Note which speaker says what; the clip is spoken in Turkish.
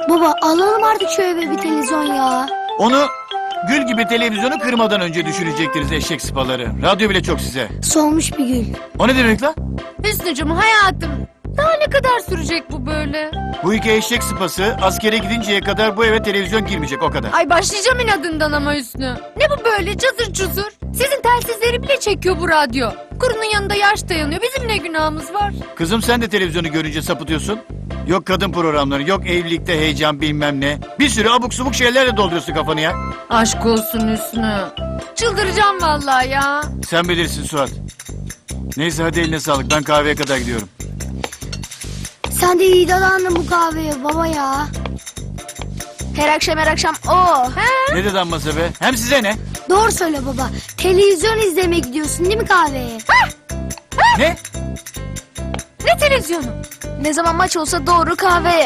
Speaker 1: Baba alalım artık şu eve bir televizyon ya.
Speaker 2: Onu gül gibi televizyonu kırmadan önce düşünecektiniz eşek sıpaları. Radyo bile çok size.
Speaker 1: Solmuş bir gül.
Speaker 2: O ne demek lan?
Speaker 3: Hüsnücüm hayatım. Daha ne kadar sürecek bu böyle?
Speaker 2: Bu iki eşek sıpası askere gidinceye kadar bu eve televizyon girmeyecek, o kadar.
Speaker 3: Ay başlayacağım inadından ama Hüsnü. Ne bu böyle cazır cuzur? Sizin telsizleri bile çekiyor bu radyo. Kurunun yanında yaş dayanıyor. Bizim ne günahımız var?
Speaker 2: Kızım sen de televizyonu görünce sapıtıyorsun. Yok kadın programları, yok evlilikte heyecan bilmem ne. Bir sürü abuk subuk şeylerle dolduruyorsun kafanı ya.
Speaker 3: Aşk olsun Hüsnü. Çıldıracağım vallahi ya.
Speaker 2: Sen bilirsin Suat. Neyse hadi eline sağlık, ben kahveye kadar gidiyorum.
Speaker 1: Sen de iyi dalandın bu kahveye baba ya.
Speaker 4: Her akşam o.
Speaker 2: Ne dedi amması be? Hem size ne?
Speaker 1: Doğru söyle baba. Televizyon izlemeye gidiyorsun değil mi kahveye?
Speaker 2: Ne?
Speaker 3: Ne televizyonu?
Speaker 4: Ne zaman maç olsa doğru kahveye.